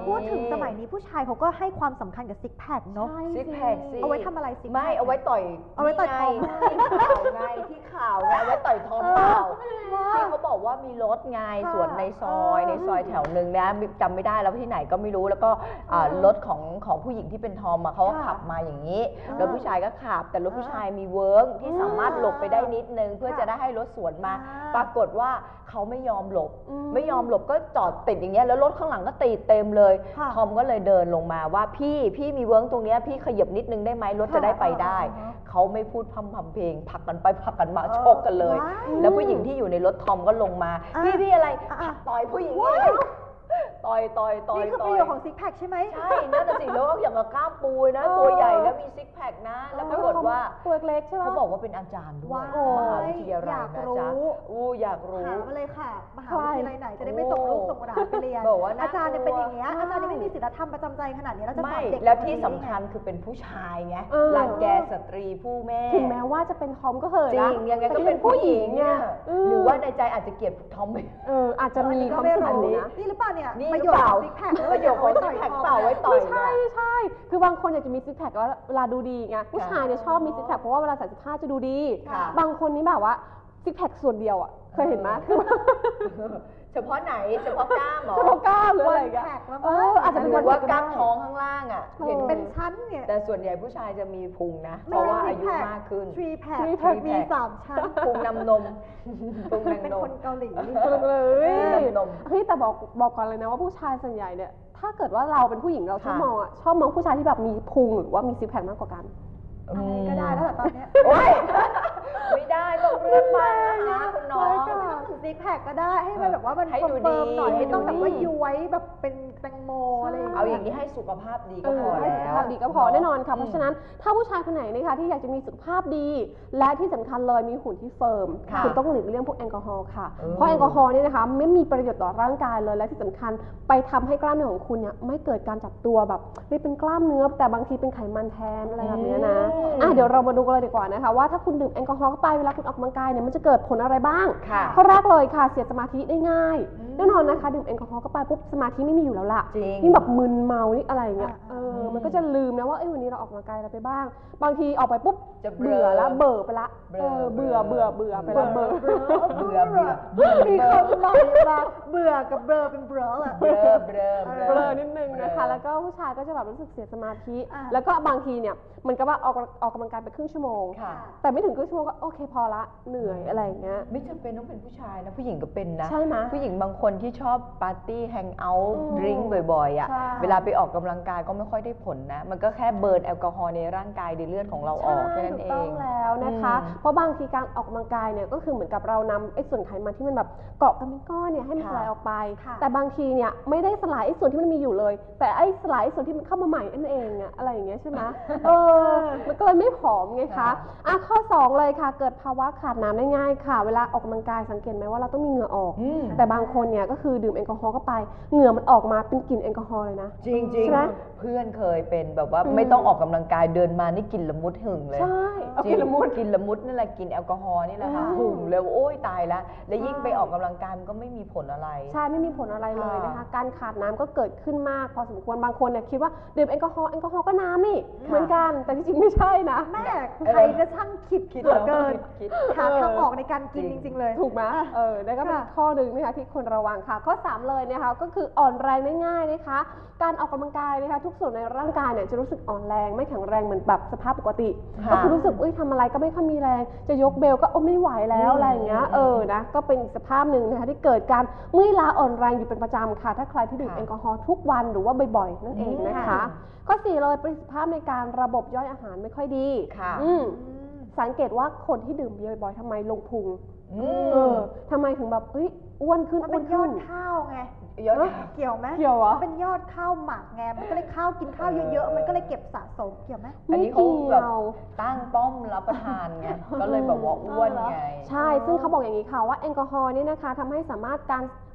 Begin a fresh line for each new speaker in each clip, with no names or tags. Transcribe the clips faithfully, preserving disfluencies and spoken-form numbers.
พูดถึงสมัยนี้ผู้ชายเขาก็ให้ความสำคัญกับซิกแพคเนาะ
ซิกแพคสิ
เอาไว้ทำอะไรซิกแพค
ไม่เอาไว้ต่อย
เอาไว้ต่อยทอม
ที่ข่าวไงที่ข่าวไงไว้ต่อยทอมเปล่าที่เขาบอกว่ามีรถไงสวนในซอยในซอยแถวหนึ่งนะจำไม่ได้แล้วที่ไหนก็ไม่รู้แล้วก็รถของของผู้หญิงที่เป็นทอมเขาก็ขับมาอย่างนี้แล้วผู้ชายก็ขับแต่รถผู้ชายมีเวิร์กที่สามารถหลบไปได้นิดนึงเพื่อจะได้ให้รถสวนมาปรากฏว่าเขาไม่ยอมหลบไม่ยอมหลบก็จอดติดอย่างเงี้ยแล้วรถข้างหลังก็ตีเต็มเลยทอมก็เลยเดินลงมาว่าพี่พี่มีเวิร์กตรงเนี้ยพี่ขยับนิดนึงได้ไหมรถจะได้ไปได้เขาไม่พูดพร่ำพำเพลงผลักกันไปผลักกันมาชกกันเลยแล้วผู้หญิงที่อยู่ในรถทอมก็ลงมาพี่พี่อะไรต่อยผู้หญิงต่อยต่อยต่อย
นี่คือประโยชน์ของซิกแพคใช่ไหม
ใช่นั่นแหะสิแล้วอย่างกับกล้ามปูนะตัวใหญ่แล้วมีซิกแพคนะแล้วปรากฏว่า
ตัวเล็กใช่ไหม
เขาบอกว่าเป็นอาจารย์ด้วยมหาวิทยาลัยนะจ๊ะอู้อยากรู้
ถามมาเลยค่ะมหาวิทยาลัยไหนจะได้ไม่ส่งลูกส่งหลานไปเรียนอาจารย์เนี่ยเป็นอย่างเงี้ยอาจารย์เนี่ยไม่มีศีลธรรมประจำใจขนาดนี้แล้วจะสอนเด็ก
แล้วที่สำคัญคือเป็นผู้ชายไงรังแกสตรีผู้แม่
ถึงแม้ว่าจะเป็นทอมก็เหอะ
จริงยังไงก็เป็นผู้หญิงเนี่ยหรือว่าในใจอาจจะเกลียดทอม
เอออาจจะมีความสุขนี้
นี่หรือเปล่าเนี่ย
นี่หรือเปล่าประโยชน์ของซิกแพคเปล่าไว้ต่อย
ไม่ใช่ไม่ใช่คือบางคนอยากจะมีซิกแพคว่าเวลาดูดีไงผู้ชายเนี่ยชอบมีซิกแพคเพราะว่าเวลาใส่เสื้อผ้าจะดูดีบางคนนี่แบบว่าซิกแพคส่วนเดียวอ่ะเคยเห็นไหม
เฉพาะไหนเฉพาะกล้ามหรอ
เฉพาะกล้ามหรืออะไรกัน
เอ
ออาจจะเป็น
ว่ากล้ามท้องข้างล่างอ่ะ
เห็นเป็นชั้นเนี่ย
แต่ส่วนใหญ่ผู้ชายจะมีพุงนะเพราะว่าอายุมากขึ้น
ทรีแพคมีสามชั้น
พุงนำนมพุงนำนม
เป็นคนเกาหลี
เลยเฮ้ยแต่บอกบอกก่อนเลยนะว่าผู้ชายส่วนใหญ่เนี่ยถ้าเกิดว่าเราเป็นผู้หญิงเราชอบมองอ่ะชอบมองผู้ชายที่แบบมีพุงหรือว่ามีซิกแพคมากกว่ากัน
อะไรก็ได้แล้วแต่ตอนนี้
โอ๊ยไม่ได้ต้องเลือกมานะคุณน้อง
ไม่ต้องถึงซิกแพคก็ได้ให้มันแบบว่ามันเฟิร์มหน่อยไม่ต้องแบบว่าย้วยแบบเป็นแตงโมอะไร
เอาอย่างนี้ให้สุขภาพดีก็พอแล้ว
ให้สุขภาพดีก็พอแน่นอนค่ะเพราะฉะนั้นถ้าผู้ชายคนไหนนะคะที่อยากจะมีสุขภาพดีและที่สำคัญเลยมีหุ่นที่เฟิร์มคุณต้องหลีกเลี่ยงพวกแอลกอฮอล์ค่ะเพราะแอลกอฮอล์นี่นะคะไม่มีประโยชน์ต่อร่างกายเลยและที่สำคัญไปทำให้กล้ามเนื้อของคุณเนี่ยไม่เกิดการจับตัวแบบไม่เป็นกล้ามเนื้อแต่บางทีเป็นไขมันแทนอะไรแบบนี้นะอ่ะเดี๋ยวเรามาดูกันเลยดีกว่านะคะว่าถ้าคุณดื่มแอลกอฮอล์เข้าไปเวลาคุณออกกำลังกายเนี่ยมันจะเกิดผลอะไรบ้างข้อแรกเลยค่ะเสียสมาธิได้ง่ายแน่นอนนะคะดื่มแอลกอฮอล์เข้าไปปุ๊บสมาธิไม่มีอยู่แล้วล่ะยิ่งแบบมึนเมานี่อะไรเงี้ยเออมันก็จะลืมนะว่าเอ้ยวันนี้เราออกกำลังกายอะไรไปบ้างบางทีออกไปปุ๊บจะเบื่อละเบื่อไปละเออเบื่อเบื่อเบื่อไปละเบื่อ
เบื่อเบื่อ
มีคนบอกมาเบื่อกับเบลอเป็นเบลออะ
เบลอเบลอ
เบลอนิดนึงนะคะแล้วก็ผู้ชายก็จะแบบรู้สึกเสียสมาธิแล้วก็บางทีเนี่ยมันก็ว่าออกออกกำลังกายไปครึ่งชั่วโมงแต่ไม่ถึงครึ่งชั่วโมงก็โอเคพอละเหนื่อยอะไรอย่างเงี้ย
ไม่จำเป็นต้องเป็นผู้ชายนะผู้หญิงก็เป็นนะ
ใช่ไหม
ผู้หญิงบางคนที่ชอบปาร์ตี้แฮงเอาท์ดริงก์บ่อยๆอ่ะเวลาไปออกกำลังกายก็ไม่ค่อยได้ผลนะมันก็แค่เบิร์นแอลกอฮอล์ในร่างกายในเลือดของเราออกแค่นั้นเอง
ต้องแล้วนะคะเพราะบางทีการออกกำลังกายเนี่ยก็คือเหมือนกับเรานำไอ้ส่วนไขมันที่มันแบบเกาะกันเป็นก้อนเนี่ยให้มันสลายออกไปแต่บางทีเนี่ยไม่ได้สลายไอ้ส่วนที่มันมีอยู่เลยแต่ไอ้สลายส่วนที่มันเข้ามาใหม่นั่นเองอะอะไรอย่างเงี้ยใช่ไหมเออมันก็เลยไม่ผอมไงคะอ่ะข้อสองเลยค่ะเกิดภาวะขาดน้ำได้ง่ายค่ะเวลาออกกำลังกายสังเกตไหมว่าเราต้องมีเหงื่อออกแต่บางคนเนี่ยก็คือดื่มแอลกอฮอล์เข้าไปเหงื่อมันออกมาเป็นกลิ่นแอลกอฮอล์เลยนะ
จริงจริงเพื่อนเคยเป็นแบบว่าไม่ต้องออกกำลังกายเดินมานี่กลิ่นละมุดหึงเลย
ใช่
กลิ่นละมุดกลิ่นละมุดนั่นแหละกลิ่นแอลกอฮอล์นี่แหละค่ะหึงเลยโอ้ยตายแล้วแล้วยิ่งไปออกกำลังกายมันก็ไม่มีผลอะไร
ใช่ไม่มีผลอะไรเลยนะคะการขาดน้ำก็เกิดขึ้นมากพอสมควรบางคนเนี่ยคิดว่าดื่มแอลกอฮอล์แอลกอฮอล์ก็น้ำนี่เหมือนกันแต่จริงๆไม่ใช่นะ
แม่ใครจะช่างคิดเหลือเกินหาทางออกในการกินจริงๆเลย
ถูกไหมเออนั่นก็เป็นข้อหนึ่งนะคะที่ควรระวังค่ะข้อสามเลยนะคะก็คืออ่อนแรงได้ง่ายนะคะการออกกำลังกายนะคะทุกส่วนในร่างกายเนี่ยจะรู้สึกอ่อนแรงไม่แข็งแรงเหมือนแบบสภาพปกติก็คือรู้สึกอุ้ยทำอะไรก็ไม่ค่อยมีแรงจะยกเบลก็โอ้ไม่ไหวแล้วอะไรอย่างเงี้ยเออนะก็เป็นอีกสภาพหนึ่งนะคะที่เกิดการเมื่อยล้าอ่อนแรงอยู่เป็นประจำค่ะถ้าใครที่ดื่มแอลกอฮอล์ทุกวันหรือว่าบ่อยๆนั่นเองนะคะข้อสี่เลยประสิทธิภาพในการระบบย่อยอาหารไม่ค่อยดีสังเกตว่าคนที่ดื่มเบียร์บ่อยๆทำไมลงพุงเออทำไมถึงแบบเฮ้ยอ้วนขึ้น
อ้วนขึ้นยอดข้าวไงเกี่ยวไหม
เกี่ยวอ่ะ
เป็นยอดข้าวหมักไงมันก็เลยข้าวกินข้าวเยอะๆมันก็เลยเก็บสะสมเกี่ยวไหม
อันนี้เขาแบบตั้งป้อมรับประทานไงก็เลยแบบว่าอ้วนไง
ใช่ซึ่งเขาบอกอย่างนี้ค่ะว่าแอลกอฮอล์นี่นะคะทำให้สามารถการ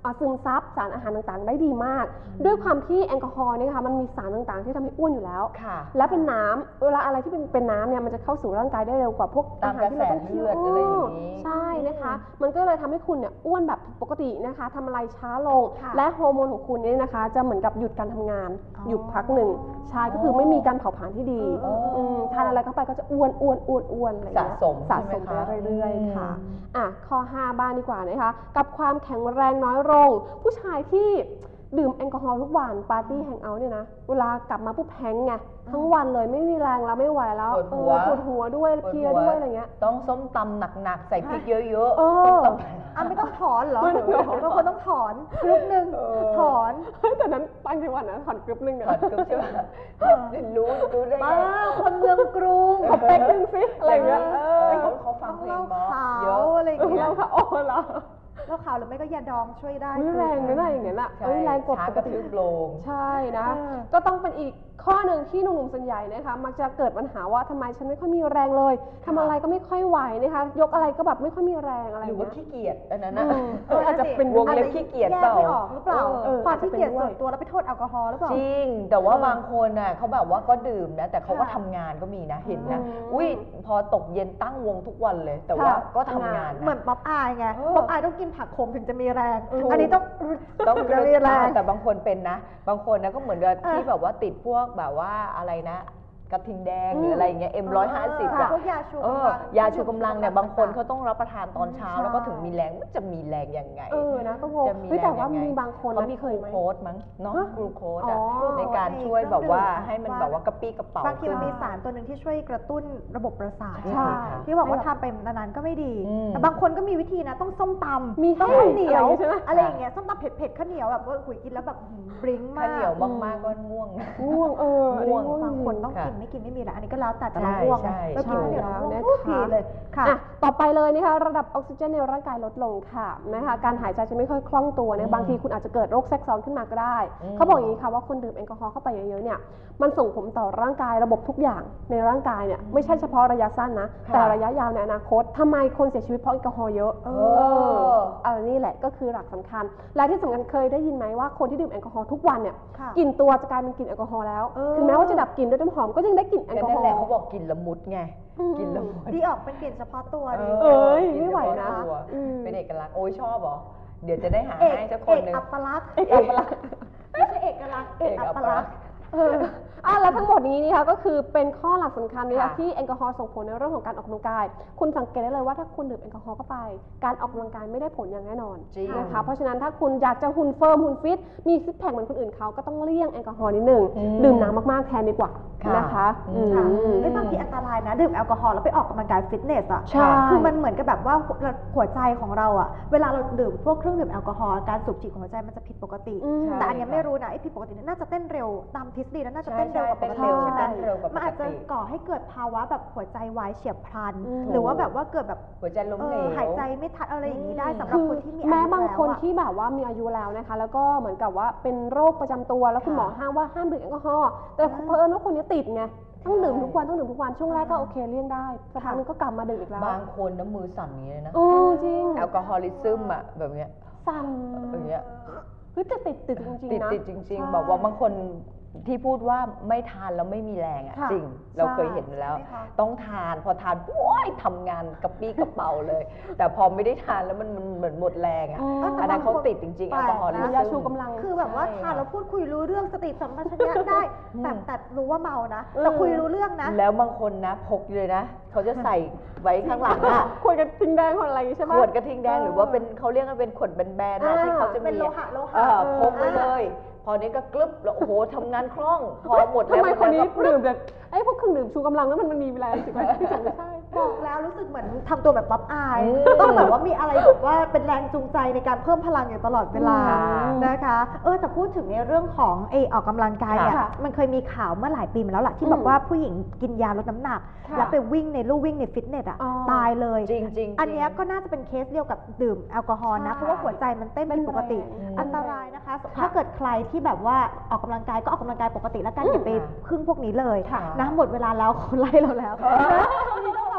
ซึมซับสารอาหารต่างๆ ได้ดีมาก ด้วยความที่แอลกอฮอล์เนี่ยค่ะมันมีสารต่างๆ ที่ทำให้อ้วนอยู่แล้วและเป็นน้ำเวลาอะไรที่เป็นเป็นน้ำเนี่ยมันจะเข้าสู่ร่างกายได้เร็วกว่าพวกอาหารที่เราต้องเคี่ยวใช่นะคะมันก็เลยทำให้คุณเนี่ยอ้วนแบบผิดปกตินะคะทำอะไรช้าลงและฮอร์โมนของคุณเนี่ยนะคะจะเหมือนกับหยุดการทำงานหยุดพักหนึ่งใช่ก็คือไม่มีการเผาผลาญที่ดีทานอะไรเข้าไปก็จะอ้วนอ้วนอ้วนอ้วนอะไรอย่างเงี้ย
สะสม
สะสมไปเรื่อยๆค่ะอ่ะข้อห้าบ้านดีกว่านะคะกับความแข็งแรงน้อยลงผู้ชายที่ดื่มแอลกอฮอล์ทุกวันปาร์ตี้แฮงเอาท์เนี่ยนะเวลากลับมาปุ๊บแฮงไงทั้งวันเลยไม่มีแรงแล้วไม่ไหวแล้วปวดหัวปวดหัวด้วยเพลียด้วยอะไรเงี้ย
ต้องส้มตำหนักๆใส่พริกเยอะๆ
เออ
อ่ะไม่ต้องถอนเหรอบางคนต้องถอนกรุ๊ปหนึ่งถอน
แต่นั้นตั้งจังหวัดนะถอนกรุ๊ปหนึ่ง
ถอนกรุ๊ปใช่ไหมรู้รู้ได้ไง
คนเมืองกรุง
ขอเป๊กหนึ่งสิอะไรเงี้ย
เขาเขาฟังเพลงเยอะ
อะไรอย่างเงี้ย
เล่าข่าวอ๋อเหรอ
เล่าข่าวหรือไม่ก็ยาดองช่วยได้
แรงไม่ได้อย่างเงี้ยน่ะแรงกด
ปกติโลง
ใช่นะก็ต้องเป็นอีกข้อหนึ่งที่หนุ่มๆส่วนใหญ่นะคะมักจะเกิดปัญหาว่าทำไมฉันไม่ค่อยมีแรงเลยทำอะไรก็ไม่ค่อยไหวนะคะยกอะไรก็แบบไม่ค่อยมีแรงอะไร
หรือว่าขี้เกียจอันนั้นนะ
อาจจะเป็น
วงเล็บขี้เกียจเปล่า
ไม่ออกหรือเปล่าความขี้เกียจส่วนตัวแล้วไปโทษแอลกอฮอล์หรือเปล่า
จริงแต่ว่าบางคนน่ะเขาแบบว่าก็ดื่มนะแต่เขาก็ทำงานก็มีนะเห็นนะอุ้ยพอตกเย็นตั้งวงทุกวันเลยแต่ว่าก็ทำงาน
เหมือนป๊อปอายไงป๊อปอายต้องกินผักขมถึงจะมีแรงอันนี้ต้อง
ต้องมีแรงแต่บางคนเป็นนะบางคนนะก็เหมือนกับที่แบบว่าติดพวกแบบว่าอะไรนะกระทิงแดงหรืออะไรเงี้ยเอ็มร้อยห้าสิบอะ
พวกยาชู
กำลังยาชูกำลังเนี่ยบางคนเขาต้องรับประทานตอนเช้าแล้วก็ถึงมีแรงมันจะมีแรงยังไง
เออนะก็งงแต่ว่ามีบางคน
เขามีกลูโคสมั้งเนาะกลูโคสอะในการช่วยแบบว่าให้มันแบบว่ากระปี้กระเป๋า
บางทีมันมีสารตัวหนึ่งที่ช่วยกระตุ้นระบบประสาทที่บอกว่าทำไปนานๆก็ไม่ดีแต่บางคนก็มีวิธีนะต้องส้มตำ
มี
ต้องข้าวเหนียวอะไรอย่างเงี้ยส้มตำเผ็ดๆข้าวเหนียวแบบว่าหุยกินแล้วแบบบริ้งมาก
ข้าวเหนียวมากๆก็ง่วง
ง่วงเออ
ง่วง
บางคนต้องกินไม่กินไม่มีแล้วอันนี้ก็แล้วแต่จะง่วงแล้วกินเดี๋ยวง่วงทุกทีเลยค่ะ
ต่อไปเลยนะคะระดับออกซิเจนในร่างกายลดลงค่ะนะคะการหายใจจะไม่ค่อยคล่องตัวนะบางทีคุณอาจจะเกิดโรคแทรกซ้อนขึ้นมาก็ได้เขาบอกอย่างนี้ค่ะว่าคนดื่มแอลกอฮอล์เข้าไปเยอะๆเนี่ยมันส่งผลต่อร่างกายระบบทุกอย่างในร่างกายเนี่ยไม่ใช่เฉพาะระยะสั้นนะแต่ระยะยาวในอนาคตทำไมคนเสียชีวิตเพราะแอลกอฮอล์เยอะเอออันนี้แหละก็คือหลักสำคัญและที่สำคัญเคยได้ยินไหมว่าคนที่ดื่มแอลกอฮอล์ทุกวันเนี่ยกลิ่นตัวจะกลายเป็นกลิ่นแอลกอฮอล์แล้วถึงแม้ว่าจะดับกลิ่นด้วยน้ำหอมก็ยังได้กลิ่นแอลกอฮอล์
นั่นแหละเขาบอกกลิ่นละมุดไงกินละมุด
ดีออกเป็นกลิ่นเฉพาะตัวดี
เอ้ยไม่ไหวนะ
เป็นเอกลักษณ์โอ้ยชอบเหรอเดี๋ยวจะได้หาให้สักคนนึง
เอกอัปลักษณ์เอกอัปลักษณ์ไม่ใช่เอกลักษณ์เอกอัปลักษณ์
อ่ะแล้วทั้งหมดนี้นี่ค่ะก็คือเป็นข้อหลักสำคัญนะคะที่แอลกอฮอล์ส่งผลในเรื่องของการออกกำลังกายคุณสังเกตได้เลยว่าถ้าคุณดื่มแอลกอฮอล์เข้าไปการออกกำลังกายไม่ได้ผลอย่างแน่นอนนะคะเพราะฉะนั้นถ้าคุณอยากจะหุ่นเฟิร์มหุ่นฟิตมีซิกแพคเหมือนคนอื่นเขาก็ต้องเลี่ยงแอลกอฮอล์นิดนึงดื่มน้ำมากๆแทนดีกว่านะคะ
ไม่บางทีอันตรายนะดื่มแอลกอฮอล์แล้วไปออกกำลังกายฟิตเนสอ่ะคือมันเหมือนกับแบบว่าหัวใจของเราอ่ะเวลาเราดื่มพวกเครื่องดื่มแอลกอฮอล์การสูบฉีดของหัวใจมันจะผิดปกติแต่อันนี้ไม่รู้นะไอ้ผิดปกติน่าจะเต้นเร็วตามทฤษฎีแล้วน่าจะเต้นเร็วกว่าปกติใช่ไหมมันอาจจะก่อให้เกิดภาวะแบบหัวใจวายเฉียบพลันหรือว่าแบบว่าเกิดแบบ
หัวใจล้มเหลว
หายใจไม่ทันอะไรอย่างนี้ได้สำหรับคนที่มีอายุ
แม้บางคนที่แบบว่ามีอายุแล้วนะคะแล้วก็เหมือนกับว่าเป็นโรคประจำตัวแล้วคุณหมอห้ามว่าห้ามดื่มแอลกอฮอล์แต่เผอิญว่าคนนี้ติดไงต้องดื่มทุกวันต้องดื่มทุกวันช่วงแรกก็โอเคเลี่ยงได้สักพักนึงก็กลับมาดื่มอีกแล้ว
บางคนน้ำมือสั่นอย่างนี้นะ
โอ้จริง
แอลกอฮอลิซึมอ่ะแบบเนี้ย
สั่น
อย่างเงี้ย
เฮ้ยแต่ติดติดจริงๆนะ
ติดจริงๆบอกว่าบางคนที่พูดว่าไม่ทานแล้วไม่มีแรงอ่ะจริงเราเคยเห็นแล้วต้องทานพอทานโอ้ยทำงานกระปี้กระเป๋าเลยแต่พอไม่ได้ทานแล้วมันมันเหมือนหมดแรงอ่ะอันนั้นเขาติดจริงๆแอลกอฮอล์
ยาชูกำลัง
คือแบบว่าทานแล้วพูดคุยรู้เรื่องสติสัมปชัญญะได้แต่แต่รู้ว่าเมานะแต่คุยรู้เรื่องนะ
แล้วบางคนนะพกเลยนะเขาจะใส่ไว้ข้างหลังอ่ะ
ขวดกระทิงแดงขวดอะไรใช่ไหม
ขวดกระทิงแดงหรือว่าเป็นเขาเรียกว่าเป็นขวดแบนๆนะที่เขาจะมี
เป็นโลหะโลหะ
พกไว้เลยพอนี้ก็กลึบแล้วโอ้โหทำงานคล่องพอหมดแล้ว
ทำไมคนนี้ดื่มแบบไอ้พวกเครื่องดื่มชูกำลังแล้วมันมันมีเวลาสิบนาทีไม่ใช่
บอกแล้วรู้สึกเหมือนทำตัวแบบป๊อปอายต้องแบบว่ามีอะไรแบบว่าเป็นแรงจูงใจในการเพิ่มพลังอยู่ตลอดเวลานะคะเออแต่พูดถึงในเรื่องของไอออกกำลังกายเนี่ยมันเคยมีข่าวเมื่อหลายปีมาแล้วแหละที่บอกว่าผู้หญิงกินยาลดน้ำหนักแล้วไปวิ่งในลู่วิ่งในฟิตเนสอ่ะตายเลย
จริงๆ
อันนี้ก็น่าจะเป็นเคสเดียวกับดื่มแอลกอฮอล์นะเพราะว่าหัวใจมันเต้นเป็นปกติอันตรายนะคะถ้าเกิดใครที่แบบว่าออกกำลังกายก็ออกกำลังกายปกติแล้วกันอย่าไปพึ่งพวกนี้เลยนะหมดเวลาแล้วคนไล่เราแล้วทีนี้ต้องเรา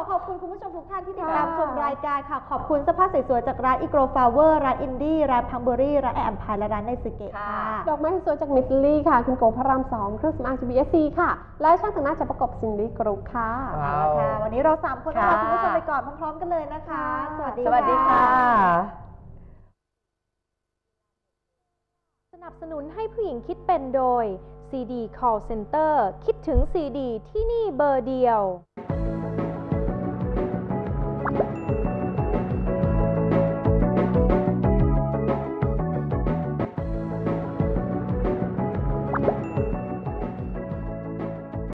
อขอบคุณคุณผู้ชมทุกท่านที่ติดตามชมรายการค่ะขอบคุณเสื้อผ้าสวยๆจากร้านอีโกรฟลาวเวอร์ร้านอินดี้ร้านพังเบอรี่ร้านแอมพายและร้านไนซึเกะค่ะ
ดอกไม้สวยจากมิสซิลี่ค่ะคุณโกพระรามสองเครื่องสำอาง จี บี เอส ซี ค่ะและช่างแต่งหน้าจากประกบซินดี้กรุ๊ปค่ะ
เอาละค่ะวันนี้เราสามคนลาคุณผู้ชมไปก่อนพร้อมๆกันเลยนะคะสวัสดี
สวัสดีค่ะ
สนับสนุนให้ผู้หญิงคิดเป็นโดย ซี ดี Call Center คิดถึง ซี ดี ที่นี่เบอร์เดียว